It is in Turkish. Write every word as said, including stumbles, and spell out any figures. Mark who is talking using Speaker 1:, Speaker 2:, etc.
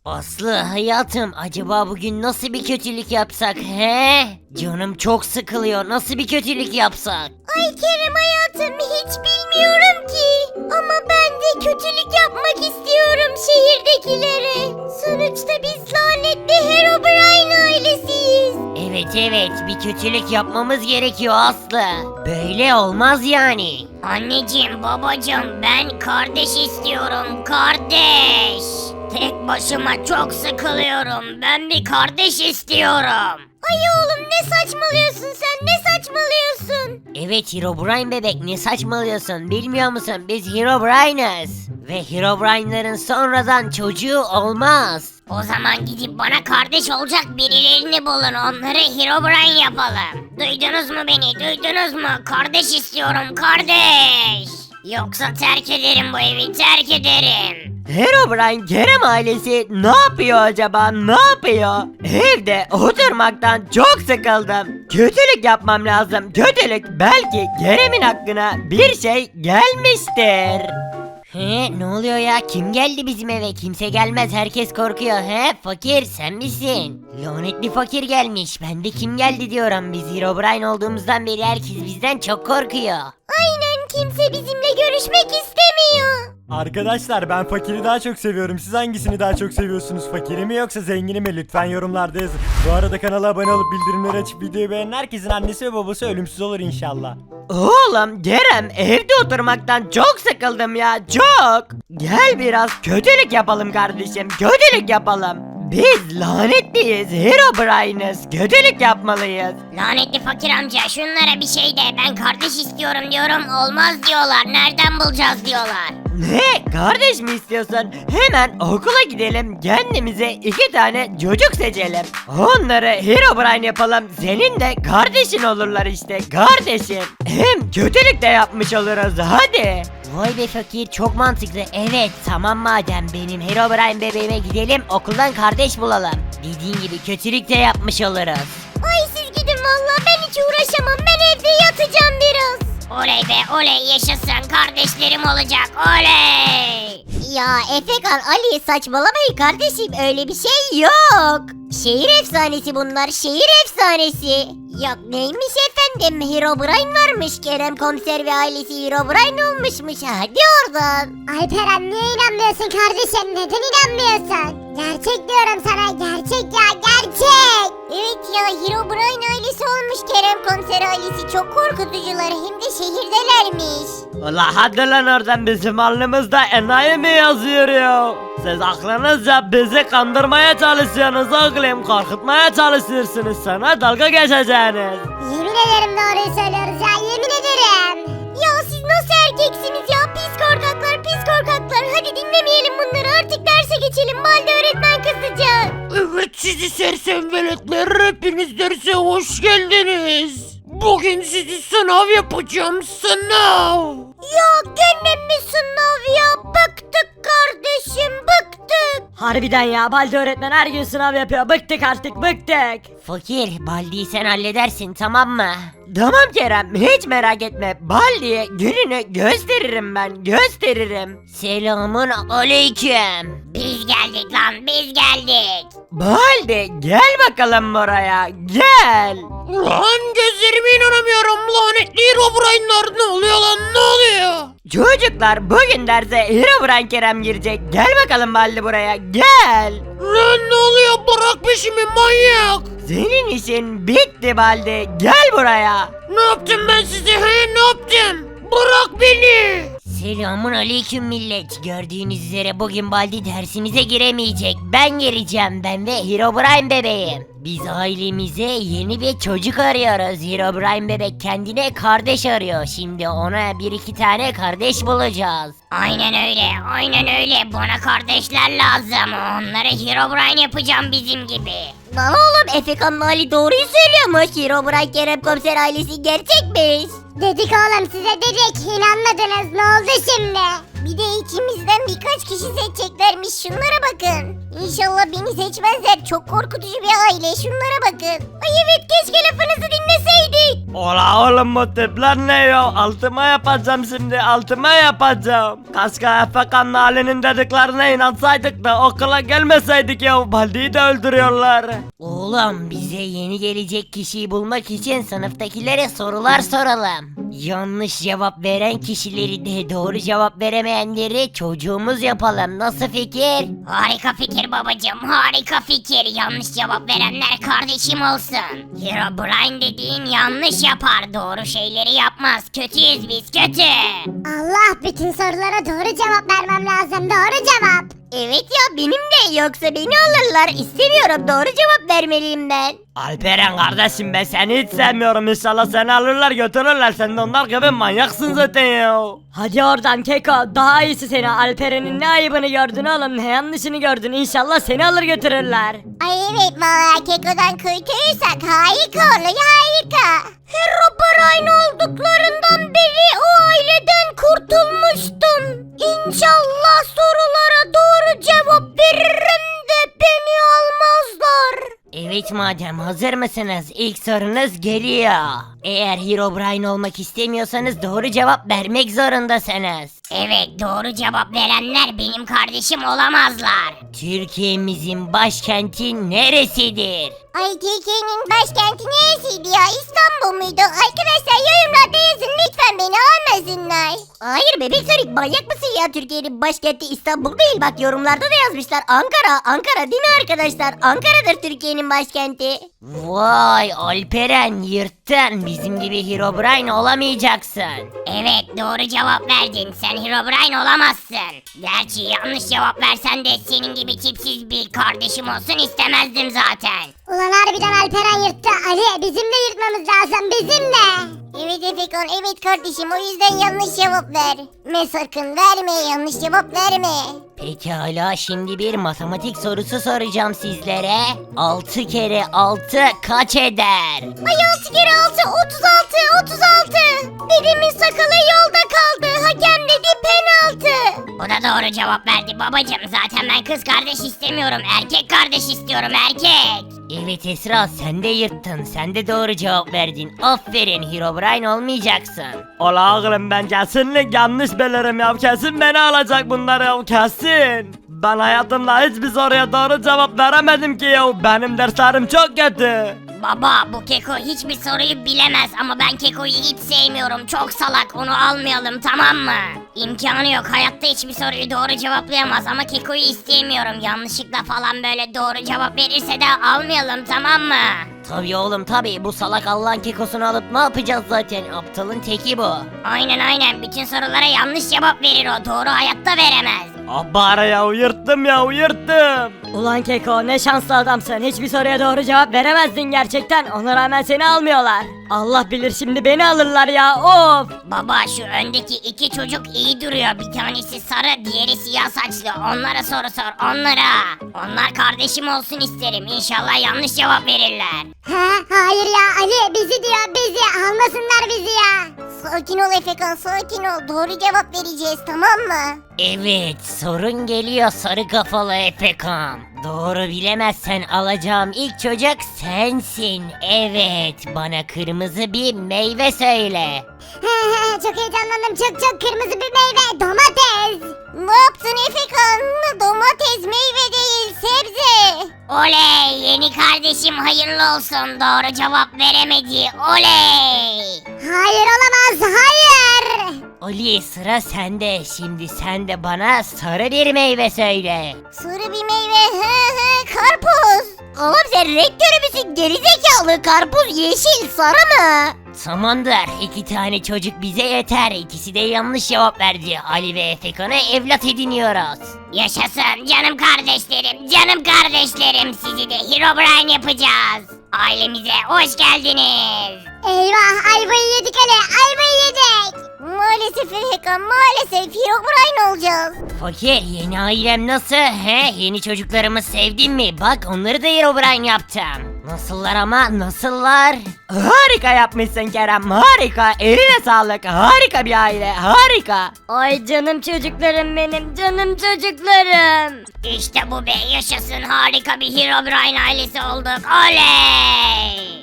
Speaker 1: Aslı hayatım, acaba bugün nasıl bir kötülük yapsak he? Canım çok sıkılıyor, nasıl bir kötülük yapsak?
Speaker 2: Ay Kerem hayatım, hiç bilmiyorum ki. Ama ben de kötülük yapmak istiyorum şehirdekilere. Sonuçta biz lanetli Herobrine ailesiyiz.
Speaker 1: Evet evet, bir kötülük yapmamız gerekiyor Aslı. Böyle olmaz yani.
Speaker 2: Anneciğim, babacığım, ben kardeş istiyorum, kardeş. Tek başıma çok sıkılıyorum. Ben bir kardeş istiyorum. Ay oğlum, ne saçmalıyorsun sen? Ne saçmalıyorsun?
Speaker 1: Evet Herobrine bebek, ne saçmalıyorsun, bilmiyor musun? Biz Herobrine'ız. Ve Herobrine'ların sonradan çocuğu olmaz.
Speaker 2: O zaman gidip bana kardeş olacak birilerini bulun. Onları Herobrine yapalım. Duydunuz mu beni? Duydunuz mu? Kardeş istiyorum, kardeş. Yoksa terk ederim bu evi, terk ederim.
Speaker 1: Herobrine Kerem ailesi ne yapıyor acaba, ne yapıyor? Evde oturmaktan çok sıkıldım. Kötülük yapmam lazım, kötülük. Belki Kerem'in hakkına bir şey gelmiştir. He, ne oluyor ya, kim geldi bizim eve? Kimse gelmez, herkes korkuyor. He fakir, sen misin? Lanetli fakir gelmiş, ben de kim geldi diyorum. Biz Herobrine olduğumuzdan beri herkes bizden çok korkuyor.
Speaker 2: Aynen, kimse bizimle görüşmek istemiyor.
Speaker 3: Arkadaşlar, ben fakiri daha çok seviyorum. Siz hangisini daha çok seviyorsunuz? Fakiri mi yoksa zengini mi? Lütfen yorumlarda yazın. Bu arada kanala abone olup bildirimleri açıp videoyu beğenen herkesin annesi ve babası ölümsüz olur inşallah.
Speaker 1: Oğlum Kerem, evde oturmaktan çok sıkıldım ya, çok. Gel biraz kötülük yapalım kardeşim, kötülük yapalım. Biz lanetliyiz, Herobrine'ız, kötülük yapmalıyız.
Speaker 2: Lanetli fakir amca, şunlara bir şey de, ben kardeş istiyorum diyorum, olmaz diyorlar. Nereden bulacağız diyorlar.
Speaker 1: Ne? Kardeş mi istiyorsun? Hemen okula gidelim, kendimize iki tane çocuk seçelim. Onları Herobrine yapalım, senin de kardeşin olurlar işte, kardeşim. Hem kötülük de yapmış oluruz, hadi. Vay be fakir, çok mantıklı. Evet tamam, madem benim Herobrine bebeğime gidelim, okuldan kardeş bulalım. Dediğin gibi kötülük de yapmış oluruz.
Speaker 2: Ay siz gidin valla, ben hiç uğraşamam, ben evde yatacağım biraz. Oley be oley, yaşasın, kardeşlerim olacak, oley. Ya Efekan, Ali, saçmalamayın kardeşim, öyle bir şey yok. Şehir efsanesi bunlar, şehir efsanesi. Yok neymiş efendim, Herobrine varmış, Kerem komiser ve ailesi Herobrine olmuşmuş, hadi oradan.
Speaker 4: Alperen, niye inanmıyorsun kardeşim? Neden inanmıyorsun? Gerçek diyorum sana, gerçek ya, gerçek.
Speaker 2: Evet ya, Herobrine ailesi olmuş, Kerem komiser ailesi, çok korkutucular, hem de şehirdelermiş.
Speaker 1: Ulan hadi lan oradan, bizim alnımızda enayi mi yazıyor ya? Siz aklınızca bizi kandırmaya çalışıyorsunuz oğlum, korkutmaya çalışıyorsunuz, sana dalga geçeceğiniz.
Speaker 4: Yemin ederim doğruyu söylüyoruz ya, yemin ederim.
Speaker 2: Ya siz nasıl erkeksiniz ya, pis korkaklar, pis korkaklar, hadi dinlemeyelim bunları, artık derse geçelim, Balde öğretmen kızacak.
Speaker 5: Evet sizi sersem veletler, hepiniz derse hoş geldiniz. Bugün sizi sınav yapacağım, sınav.
Speaker 2: Ya gene mi sınav ya, bıktık kardeşim, bıktık.
Speaker 1: Harbiden ya, Baldi öğretmen her gün sınav yapıyor, bıktık artık, bıktık. Fakir, Baldi'yi sen halledersin, tamam mı? Tamam Kerem, hiç merak etme, Baldi'ye gününü gösteririm ben, gösteririm. Selamun aleyküm.
Speaker 2: Biz geldik lan, biz geldik.
Speaker 1: Baldi gel bakalım buraya, gel.
Speaker 5: Lan gözlerime inanamıyorum, lanetli Herobrine'lar, ne oluyor lan, ne oluyor?
Speaker 1: Çocuklar, bugün derse Herobrine Kerem girecek, gel bakalım Baldi buraya, gel.
Speaker 5: Lan ne oluyor, bırak peşimi manyak.
Speaker 1: Senin işin bitti Baldi, gel buraya.
Speaker 5: Ne yaptım ben size, he, ne yaptım? Bırak beni.
Speaker 1: Selamun aleyküm millet. Gördüğünüz üzere bugün Baldi dersinize giremeyecek. Ben gireceğim, ben ve Herobrine bebeğim. Biz ailemize yeni bir çocuk arıyoruz. Herobrine bebek kendine kardeş arıyor. Şimdi ona bir iki tane kardeş bulacağız.
Speaker 2: Aynen öyle, aynen öyle, bana kardeşler lazım, onları Herobrine yapacağım bizim gibi. Lan oğlum, Efekan Ali doğruyu söylüyormuş, Herobrine Kerem komiser ailesi gerçekmiş.
Speaker 4: Dedik oğlum size, dedik, inanmadınız, ne oldu şimdi?
Speaker 2: Bir de içimizden birkaç kişi seçeceklermiş. Şunlara bakın. İnşallah beni seçmezler. Çok korkutucu bir aile. Şunlara bakın. Ay evet, keşke lafınızı dinleseydik.
Speaker 1: Ola oğlum bu tipler ne ya? Altıma yapacağım şimdi, altıma yapacağım. Kaska Efekan'ın halinin dediklerine inansaydık da okula gelmeseydik ya. Baldi'yi de öldürüyorlar. Oğlum bize yeni gelecek kişiyi bulmak için sınıftakilere sorular soralım. Yanlış cevap veren kişileri de doğru cevap veremeyenleri çocuğumuz yapalım. Nasıl fikir?
Speaker 2: Harika fikir babacığım, harika fikir. Yanlış cevap verenler kardeşim olsun. Herobrine dediğin yanlış yapar, doğru şeyleri yapmaz. Kötüyüz biz, kötü.
Speaker 4: Allah, bütün sorulara doğru cevap vermem lazım. Doğru cevap.
Speaker 2: Evet ya, benim de, yoksa beni alırlar. İstemiyorum, doğru cevap vermeliyim ben.
Speaker 1: Alperen kardeşim ben seni hiç sevmiyorum. İnşallah seni alırlar götürürler. Sen de onlar gibi manyaksın zaten ya.
Speaker 6: Hadi oradan Keko, daha iyisi seni. Alperen'in ne ayıbını gördün oğlum, ne yanlışını gördün. İnşallah seni alır götürürler.
Speaker 2: Ay evet, valla Keko'dan kurtulursak harika olur, harika. Herobrine olduklarından beri o aileden kurtulmuştum. İnşallah sorulara doğru cevap veririm de beni almazlar.
Speaker 1: Evet madem hazır mısınız? İlk sorunuz geliyor. Eğer Herobrine olmak istemiyorsanız doğru cevap vermek zorundasınız.
Speaker 2: Evet, doğru cevap verenler benim kardeşim olamazlar.
Speaker 1: Türkiye'mizin başkenti neresidir?
Speaker 2: Ay, Türkiye'nin başkenti neresiydi ya? İstanbul muydu? Arkadaşlar yorumlarda yazın, lütfen beni almasınlar. Hayır bebek Sonic, manyak mısın ya? Türkiye'nin başkenti İstanbul değil, bak yorumlarda da yazmışlar. Ankara, Ankara değil mi arkadaşlar? Ankara'dır Türkiye'nin başkenti.
Speaker 1: Vay Alperen yırttın. Bizim gibi Herobrine olamayacaksın.
Speaker 2: Evet, doğru cevap verdin. Sen Herobrine olamazsın. Gerçi yanlış cevap versen de senin gibi tipsiz bir kardeşim olsun istemezdim zaten.
Speaker 4: Ulan harbiden Alperen yırttı. Ali, bizim de yırtmamız lazım, bizim de.
Speaker 2: Evet Efekan, evet kardeşim, o yüzden yanlış cevap ver. Me sakın verme, yanlış cevap verme.
Speaker 1: Pekala şimdi bir matematik sorusu soracağım sizlere. altı kere altı kaç eder?
Speaker 2: Ay altı kere altı otuz altı otuz altı. Dedemin sakalı yolda kaldı. Hakem dedi penaltı. O da doğru cevap verdi babacım. Zaten ben kız kardeş istemiyorum. Erkek kardeş istiyorum, erkek.
Speaker 1: Evet Esra sen de yırttın. Sen de doğru cevap verdin. Aferin Herobrine olmayacaksın. Ola oğlum ben kesinlikle yanlış bilirim ya. Kesin beni alacak bunlar ya kesin. Ben hayatımda hiçbir soruya doğru cevap veremedim ki ya. Benim derslerim çok kötü.
Speaker 2: Baba, bu Keko hiçbir soruyu bilemez ama ben Keko'yu hiç sevmiyorum. Çok salak, onu almayalım, tamam mı? İmkanı yok, hayatta hiçbir soruyu doğru cevaplayamaz ama Keko'yu istemiyorum. Yanlışlıkla falan böyle doğru cevap verirse de almayalım, tamam mı?
Speaker 1: Tabii oğlum tabii bu salak Allah'ın kekosunu alıp ne yapacağız zaten, aptalın teki bu.
Speaker 2: Aynen aynen, bütün sorulara yanlış cevap verir o, doğru hayatta veremez.
Speaker 1: Abara ya yırttım ya yırttım.
Speaker 6: Ulan Keko, ne şanslı adamsın. Hiçbir soruya doğru cevap veremezdin gerçekten. Ona rağmen seni almıyorlar. Allah bilir şimdi beni alırlar ya, of.
Speaker 2: Baba, şu öndeki iki çocuk iyi duruyor. Bir tanesi sarı, diğeri siyah saçlı. Onlara soru sor, onlara. Onlar kardeşim olsun isterim. İnşallah yanlış cevap verirler.
Speaker 4: Ha, hayır ya Ali, bizi diyor, bizi. Almasınlar bizi ya.
Speaker 2: Sakin ol Efekan, sakin ol. Doğru cevap vereceğiz, tamam mı?
Speaker 1: Evet sorun geliyor sarı kafalı Efekan. Doğru bilemezsen alacağım ilk çocuk sensin. Evet bana kırmızı bir meyve söyle.
Speaker 4: Çok heyecanlandım, çok çok kırmızı bir meyve, domates.
Speaker 2: Ne yaptın Efekan? Domates meyve değil, sebze. Oley, yeni kardeşim hayırlı olsun. Doğru cevap veremedi. Oley.
Speaker 4: Hayır, olamaz, hayır.
Speaker 1: Ali sıra sende. Şimdi sen de bana sarı bir meyve söyle.
Speaker 2: Sarı bir meyve, hı hı, karpuz. Oğlum sen rektörü müsün? Gerizekalı, karpuz yeşil, sarı mı?
Speaker 1: Tamamdır iki tane çocuk bize yeter. İkisi de yanlış cevap verdi. Ali ve Efekan'ı evlat ediniyoruz.
Speaker 2: Yaşasın canım kardeşlerim, canım kardeşlerim. Sizi de Herobrine yapacağız. Ailemize hoş geldiniz.
Speaker 4: Eyvah, ayvayı yedik Ali, ayvayı yedik.
Speaker 2: Maalesef Efekan, maalesef Herobrine olacağız.
Speaker 1: Fakir yeni ailem nasıl? He yeni çocuklarımı sevdin mi? Bak onları da Herobrine yaptım. Nasıllar ama nasıllar? Harika yapmışsın Kerem, harika. Eline sağlık, harika bir aile, harika.
Speaker 6: Ay canım çocuklarım benim, canım çocuklarım.
Speaker 2: İşte bu be, yaşasın, harika bir Herobrine ailesi olduk. Oley!